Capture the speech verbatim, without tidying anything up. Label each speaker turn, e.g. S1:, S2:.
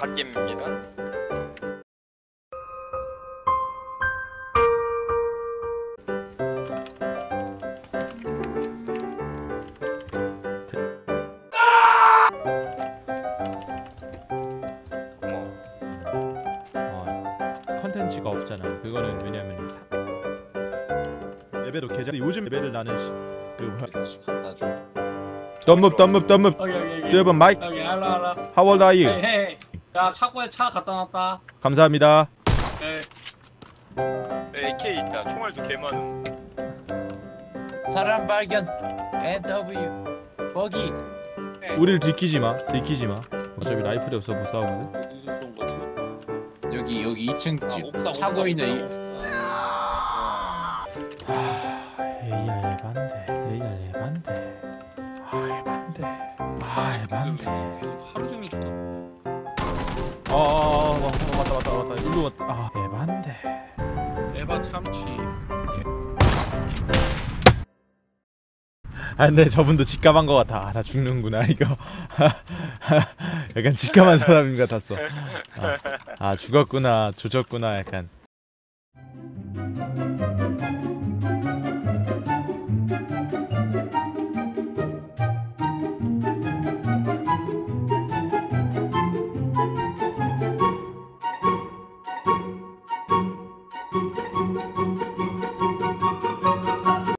S1: 갓겜입니다.
S2: 컨텐츠가 없잖아. 그거는 왜냐면 레벨로 계좌 요즘 레벨을 나는 시, 그 뭐야
S3: 나줘.
S2: 덤업 덤업 덤업
S4: 여기 여기 여기
S2: 여러분 마이크
S4: 여기 알로 알로.
S2: How old are you?
S4: 헤이 헤이. 야 차고에 차 갖다 놨다.
S2: 감사합니다.
S4: 네.
S1: 에이케이 있다. 총알도 개 많음.
S3: 사람 발견. 엔더블유. 버기.
S2: 우리를 들키지 마. 들키지 마. 어차피 라이플이 없어 못 싸우거든.
S5: 어디서 쏜 거지?
S3: 여기 여기 이 층
S5: 아, 옥상,
S3: 차고
S5: 옥상,
S3: 있는
S5: 옥상,
S2: 에이알 에반데. 에이알 에반데. 아 에반데. 아 에반데.
S5: 계속 하루 종일 쳐다.
S2: 아, 아, 아 맞다 맞다 맞다 맞다. 일로 왔다. 아 에반데.
S5: 에바 참치.
S2: 아 근데 저분도 직감한 것 같아. 아, 나 죽는구나 이거. 약간 직감한 사람인 것 같았어. 아, 아 죽었구나 조졌구나 약간.